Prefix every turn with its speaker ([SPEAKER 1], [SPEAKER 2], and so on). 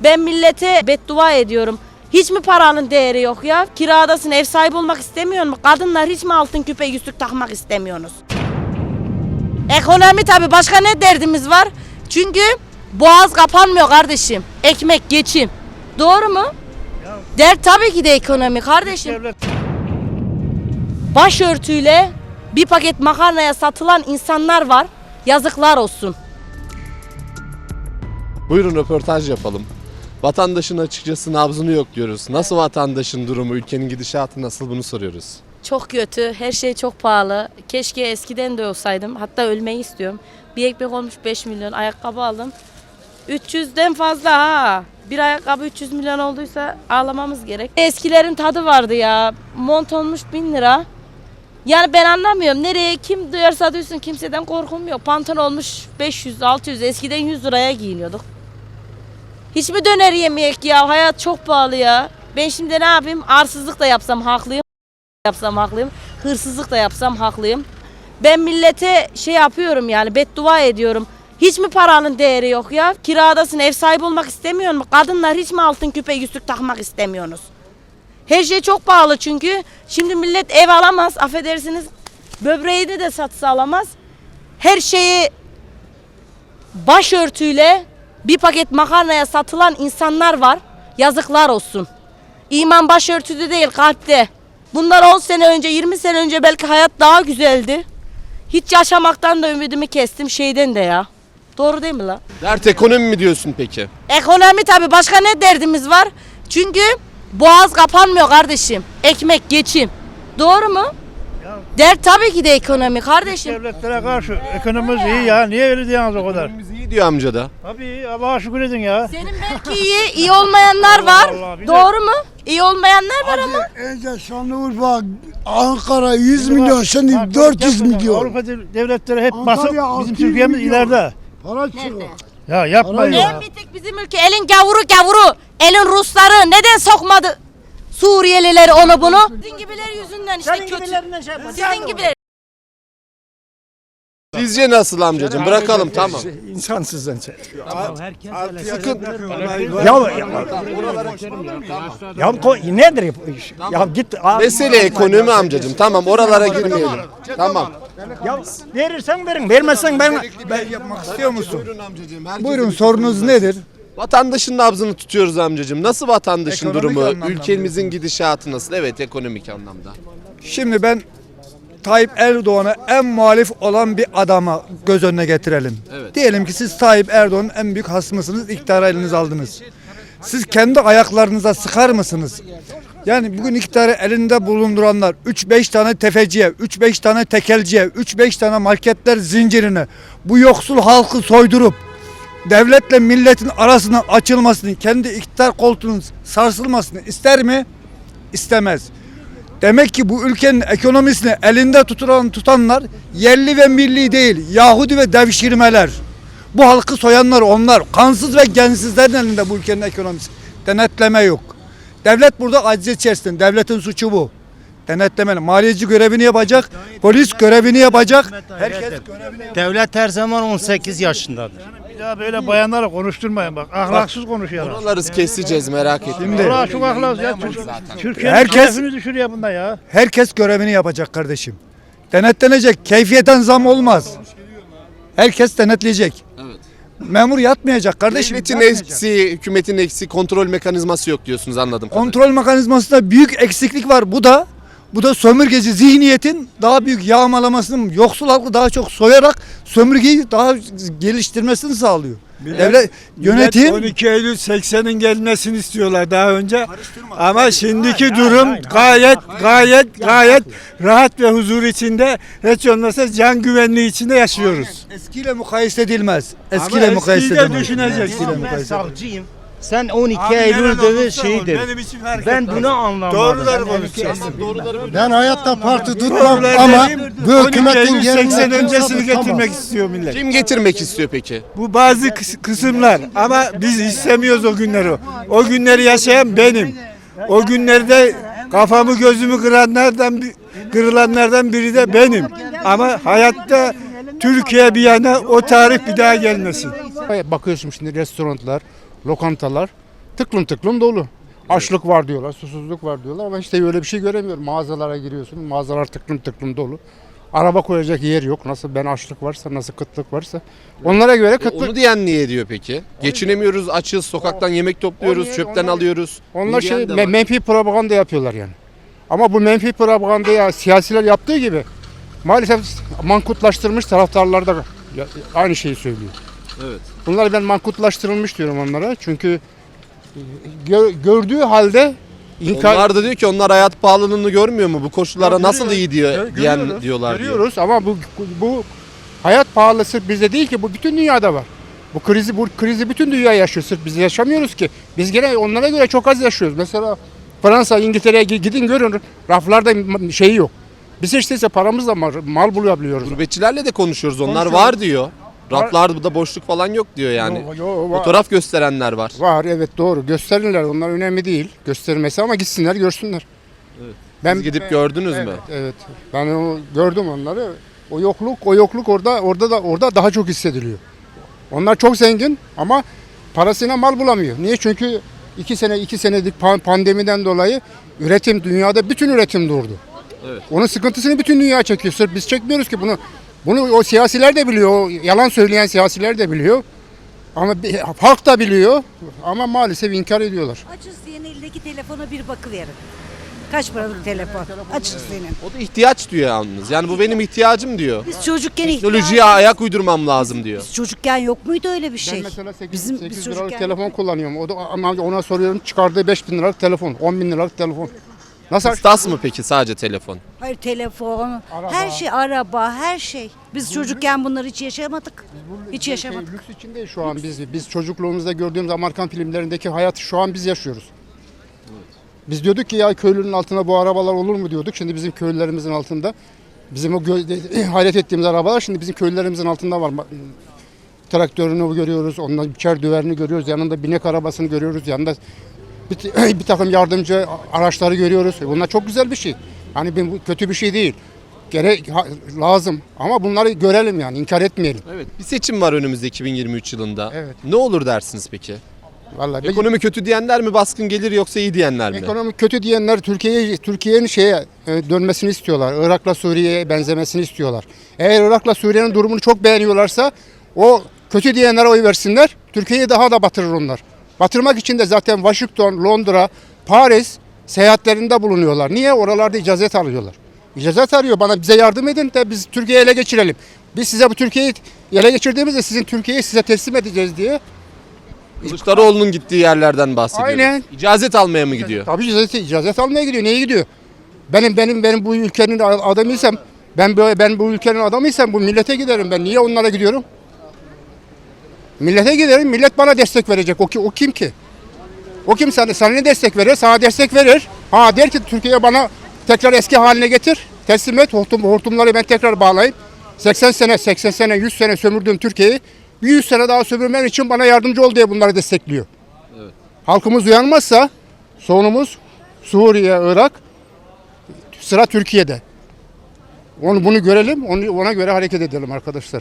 [SPEAKER 1] Ben millete beddua ediyorum. Hiç mi paranın değeri yok ya? Kiradasın, ev sahibi olmak istemiyor mu? Kadınlar hiç mi altın küpe yüzük takmak istemiyorsunuz? Ekonomi tabii, başka ne derdimiz var? Çünkü boğaz kapanmıyor kardeşim. Ekmek, geçim. Doğru mu? Dert tabii ki de ekonomi kardeşim. Başörtüyle bir paket makarnaya satılan insanlar var. Yazıklar olsun.
[SPEAKER 2] Buyurun röportaj yapalım. Vatandaşın açıkçası nabzını yokluyoruz. Nasıl vatandaşın durumu, ülkenin gidişatı nasıl, bunu soruyoruz.
[SPEAKER 1] Çok kötü, her şey çok pahalı. Keşke eskiden de olsaydım. Hatta ölmeyi istiyorum. Bir ekmek olmuş 5 milyon, ayakkabı aldım. 300'den fazla ha. Bir ayakkabı 300 milyon olduysa ağlamamız gerek. Eskilerin tadı vardı ya. Mont olmuş 1000 lira. Yani ben anlamıyorum. Nereye kim duyarsa duysun, kimseden korkum yok. Pantolon olmuş 500-600, eskiden 100 liraya giyiniyorduk. Hiç mi döner yemeyek ya? Hayat çok pahalı ya. Ben şimdi ne yapayım? Arsızlık da yapsam haklıyım. Hırsızlık da yapsam haklıyım. Ben millete şey yapıyorum yani, beddua ediyorum. Hiç mi paranın değeri yok ya? Kiradasın, ev sahibi olmak istemiyor mu? Kadınlar hiç mi altın küpe yüzük takmak istemiyorsunuz? Her şey çok pahalı çünkü. Şimdi millet ev alamaz, affedersiniz. Böbreğini de satsa alamaz. Her şeyi başörtüyle bir paket makarnaya satılan insanlar var. Yazıklar olsun. İman başörtüde değil, kalpte. Bunlar 10 sene önce, 20 sene önce belki hayat daha güzeldi. Hiç yaşamaktan da ümidimi kestim, şeyden de ya. Doğru değil mi la?
[SPEAKER 2] Dert ekonomi mi diyorsun peki?
[SPEAKER 1] Ekonomi tabii, başka ne derdimiz var? Çünkü boğaz kapanmıyor kardeşim. Ekmek, geçim. Doğru mu? Dert tabii ki de ekonomi kardeşim.
[SPEAKER 3] Devletlere karşı ekonomimiz iyi ya. Niye öyle diyorsunuz o kadar?
[SPEAKER 2] Ekonomimiz iyi diyor amca da.
[SPEAKER 3] Tabii Allah'a şükür edin ya.
[SPEAKER 1] Senin belki iyi olmayanlar var.
[SPEAKER 3] Allah Allah, bir de-
[SPEAKER 1] Doğru mu? İyi olmayanlar var ama.
[SPEAKER 4] Önce Şanlıurfa, Ankara 100 milyon, şimdi 400 milyon.
[SPEAKER 3] Avrupa devletleri hep
[SPEAKER 4] Antalya
[SPEAKER 3] basıp bizim
[SPEAKER 4] 600
[SPEAKER 3] Türkiye'miz
[SPEAKER 4] milyon.
[SPEAKER 3] ileride.
[SPEAKER 4] Para çıkıyor.
[SPEAKER 3] Ya yapmayın
[SPEAKER 4] Para
[SPEAKER 3] ya.
[SPEAKER 1] En bir tek bizim ülke elin gavuru. Elin Rusları neden sokmadı Suriyelileri onu bunu? Sizin gibiler yüzünden işte kötü. Sizin gibiler.
[SPEAKER 2] Sizce nasıl amcacığım? Bırakalım, tamam.
[SPEAKER 5] İnsansız önce.
[SPEAKER 2] Sıkın.
[SPEAKER 5] Nedir bu iş? Ya git abi.
[SPEAKER 2] Mesele ekonomi amcacığım. Tamam, oralara girmeyelim. Tamam.
[SPEAKER 5] Ya verirsen verin, vermezsen ben yapmak istiyor musun?
[SPEAKER 2] Buyurun amcacığım. herkesin
[SPEAKER 4] Buyurun,
[SPEAKER 2] bir
[SPEAKER 4] sorunuz
[SPEAKER 2] sorunu var.
[SPEAKER 4] nedir?
[SPEAKER 2] Vatandaşın nabzını tutuyoruz amcacığım. Nasıl vatandaşın
[SPEAKER 4] Ekonomik
[SPEAKER 2] durumu?
[SPEAKER 4] anlamda
[SPEAKER 2] Ülkemizin gidişatı nasıl? Evet, ekonomik anlamda.
[SPEAKER 4] Şimdi ben Tayyip Erdoğan'a en muhalif olan bir adama göz önüne getirelim.
[SPEAKER 2] Evet.
[SPEAKER 4] Diyelim ki siz Tayyip Erdoğan'ın en büyük hasmısınız, iktidarı elinize aldınız. Siz kendi ayaklarınıza sıkar mısınız? Yani bugün iktidarı elinde bulunduranlar 3-5 tane tefeciye, 3-5 tane tekelciye, 3-5 tane marketler zincirine bu yoksul halkı soydurup devletle milletin arasının açılmasını, kendi iktidar koltuğunun sarsılmasını ister mi? İstemez. Demek ki bu ülkenin ekonomisini elinde tutanlar yerli ve milli değil, Yahudi ve devşirmeler. Bu halkı soyanlar onlar. Kansız ve gensizlerin elinde bu ülkenin ekonomisi. Denetleme yok. Devlet burada aciz içerisinde. Devletin suçu bu. Denetlemeli. Maliyeci görevini yapacak, polis görevini yapacak. Herkes görevini yapacak.
[SPEAKER 6] Devlet her zaman 18 yaşındadır.
[SPEAKER 3] Bir daha böyle bayanlara konuşturmayın bak. Ahlaksız konuşuyorlar.
[SPEAKER 2] Oraları keseceğiz, merak etmeyin.
[SPEAKER 3] Allah çok ahlaksız ya. Türkiye'nin
[SPEAKER 4] Herkes-
[SPEAKER 3] şerefini düşürüyor bunda ya.
[SPEAKER 4] Herkes görevini yapacak kardeşim. Denetlenecek. Keyfiyeten zam olmaz. Herkes denetleyecek.
[SPEAKER 2] Evet.
[SPEAKER 4] Memur yatmayacak kardeşim.
[SPEAKER 2] Devletin
[SPEAKER 4] yatmayacak.
[SPEAKER 2] eksiği, hükümetin eksiği, kontrol mekanizması yok diyorsunuz, anladım.
[SPEAKER 4] Kontrol mekanizmasında büyük eksiklik var. Bu da sömürgeci zihniyetin daha büyük yağmalamasının, yoksul halkı daha çok soyarak sömürgeyi daha geliştirmesini sağlıyor. Devlet yönetim
[SPEAKER 5] 12 Eylül 80'in gelmesini istiyorlar daha önce. Ama şimdiki durum gayet rahat ve huzur içinde, hiç olmazsa can güvenliği içinde yaşıyoruz.
[SPEAKER 4] eskiyle mukayese edilmez.
[SPEAKER 5] Ama
[SPEAKER 4] Eskiyle mukayese
[SPEAKER 5] eskiyi de
[SPEAKER 4] edilmez.
[SPEAKER 5] düşüneceksin.
[SPEAKER 4] Eskiyle
[SPEAKER 6] Ben
[SPEAKER 4] mukayese edilmez.
[SPEAKER 6] savcıyım. Sen 12 Eylül dedi şeydir. Ben bunu anlamadım.
[SPEAKER 5] Doğruları konuşacağız.
[SPEAKER 7] Ben hayatta parti tutmam ama bu
[SPEAKER 5] 12
[SPEAKER 7] hükümetin
[SPEAKER 5] Eylül 80
[SPEAKER 7] gelmesini
[SPEAKER 5] öncesini
[SPEAKER 7] tutamam.
[SPEAKER 5] getirmek istiyor millet.
[SPEAKER 2] Kim getirmek istiyor peki?
[SPEAKER 5] Bu bazı kısımlar ama biz istemiyoruz o günleri. O günleri yaşayan benim. O günlerde kafamı gözümü kırılanlardan biri de benim. Ama hayatta Türkiye bir yana o tarih bir daha gelmesin.
[SPEAKER 7] Bakıyorsun şimdi restoranlar, lokantalar tıklım tıklım dolu. Açlık var diyorlar, susuzluk var diyorlar ama işte öyle bir şey göremiyorum. Mağazalara giriyorsun, mağazalar tıklım tıklım dolu. Araba koyacak yer yok. Nasıl ben açlık varsa, nasıl kıtlık varsa. Onlara göre kıtlık.
[SPEAKER 2] Onu diyen niye diyor peki? Geçinemiyoruz, açız, sokaktan yemek topluyoruz,
[SPEAKER 7] niye-
[SPEAKER 2] çöpten
[SPEAKER 7] onlar-
[SPEAKER 2] alıyoruz.
[SPEAKER 7] Onlar
[SPEAKER 2] diyen
[SPEAKER 7] şey
[SPEAKER 2] de var.
[SPEAKER 7] menfi propaganda yapıyorlar yani. Ama bu menfi propagandayı siyasiler yaptığı gibi maalesef mankutlaştırmış taraftarlar da aynı şeyi söylüyor.
[SPEAKER 2] Evet.
[SPEAKER 7] Bunlar ben mankutlaştırılmış diyorum onlara. Çünkü gördüğü halde inkar
[SPEAKER 2] Onlar da diyor ki onlar hayat pahalılığını görmüyor mu? Bu koşullara
[SPEAKER 7] Ya
[SPEAKER 2] nasıl iyi diyor
[SPEAKER 7] görüyoruz,
[SPEAKER 2] diyorlar diyor.
[SPEAKER 7] görüyoruz ama bu hayat pahalısı bizde değil ki, bu bütün dünyada var. Bu krizi bütün dünya yaşıyor. Sırf biz yaşamıyoruz ki. Biz gene onlara göre çok az yaşıyoruz. Mesela Fransa, İngiltere'ye gidin görün, raflarda şeyi yok. Biz işte paramızla mal bulabiliyoruz.
[SPEAKER 2] Gurbetçilerle de konuşuyoruz. Onlar
[SPEAKER 7] Konuşuyoruz.
[SPEAKER 2] var diyor. Raflarda boşluk falan yok diyor yani.
[SPEAKER 7] Var.
[SPEAKER 2] Fotoğraf gösterenler var.
[SPEAKER 7] Var, evet, doğru. Gösterirler. Onlar önemli değil. Göstermesi ama gitsinler görsünler.
[SPEAKER 2] Evet.
[SPEAKER 7] Ben
[SPEAKER 2] Siz gidip gördünüz mü?
[SPEAKER 7] Evet. Ben gördüm onları. O yokluk orada daha çok hissediliyor. Onlar çok zengin ama parasına mal bulamıyor. Niye? Çünkü 2 senelik pandemiden dolayı dünyada bütün üretim durdu.
[SPEAKER 2] Evet.
[SPEAKER 7] Onun sıkıntısını bütün dünya çekiyor. Sırf biz çekmiyoruz ki bunu. Bunu o siyasiler de biliyor. O yalan söyleyen siyasiler de biliyor. Ama halk da biliyor. Ama maalesef inkar ediyorlar.
[SPEAKER 8] Açız senin elindeki telefona bir bakıverin. Kaç paralık telefon? Açız senin.
[SPEAKER 2] O da ihtiyaç diyor yalnız. Yani bu benim ihtiyacım diyor.
[SPEAKER 8] Biz çocukken
[SPEAKER 2] Teknolojiye ayak uydurmam lazım diyor.
[SPEAKER 8] Biz çocukken yok muydu öyle bir şey?
[SPEAKER 7] Ben mesela 8
[SPEAKER 8] Bizim
[SPEAKER 7] liralık
[SPEAKER 8] çocukken
[SPEAKER 7] telefon kullanıyorum. Ama ona soruyorum, çıkardığı 5.000 liralık telefon, 10.000 liralık telefon. Nasıl?
[SPEAKER 2] Kıstas mı peki sadece telefon?
[SPEAKER 8] Hayır, telefon, her şey, araba, her şey. Biz çocukken bunları hiç yaşamadık. Hiç yaşamadık.
[SPEAKER 7] Lüks içindeyiz şu an biz. Biz çocukluğumuzda gördüğümüz Amerikan filmlerindeki hayatı şu an biz yaşıyoruz. Biz diyorduk ki ya köylünün altında bu arabalar olur mu diyorduk. Şimdi bizim köylülerimizin altında. Bizim o hayret ettiğimiz arabalar şimdi bizim köylülerimizin altında var. Traktörünü görüyoruz, ondan biçer düverini görüyoruz, yanında binek arabasını görüyoruz, yanında bir takım yardımcı araçları görüyoruz. Bunlar çok güzel bir şey. Hani bu kötü bir şey değil. Lazım ama bunları görelim yani, inkar etmeyelim.
[SPEAKER 2] Evet. Bir seçim var önümüzde 2023 yılında.
[SPEAKER 7] Evet.
[SPEAKER 2] Ne olur dersiniz peki?
[SPEAKER 7] Vallahi
[SPEAKER 2] Ekonomi kötü diyenler mi baskın gelir yoksa iyi diyenler mi?
[SPEAKER 7] ekonomi kötü diyenler Türkiye'nin dönmesini istiyorlar. Irak'la Suriye'ye benzemesini istiyorlar. Eğer Irak'la Suriye'nin durumunu çok beğeniyorlarsa o kötü diyenlere oy versinler. Türkiye'yi daha da batırır onlar. Batırmak için de zaten Washington, Londra, Paris seyahatlerinde bulunuyorlar. Niye? Oralarda icazet alıyorlar. İcazet arıyor. Bize yardım edin de biz Türkiye'yi ele geçirelim. Biz size bu Türkiye'yi ele geçirdiğimizde sizin Türkiye'yi size teslim edeceğiz diye.
[SPEAKER 2] Kılıçdaroğlu'nun gittiği yerlerden bahsediyoruz.
[SPEAKER 7] Aynen.
[SPEAKER 2] İcazet almaya mı gidiyor?
[SPEAKER 7] Tabii icazet almaya gidiyor. Neye gidiyor? Benim bu ülkenin adamıysam, ben bu ülkenin adamıysam bu millete giderim. Ben niye onlara gidiyorum? Millete giderim. Millet bana destek verecek. O kim ki? O kim sana ne destek verir? Sana destek verir. Der ki Türkiye bana tekrar eski haline getir. Teslim et. Hortumları ben tekrar bağlayayım. 80 sene, 100 sene sömürdüğüm Türkiye'yi bir 100 sene daha sömürmem için bana yardımcı ol diye bunları destekliyor. Evet. Halkımız uyanmazsa sonumuz Suriye, Irak, sıra Türkiye'de. Bunu görelim, ona göre hareket edelim arkadaşlar.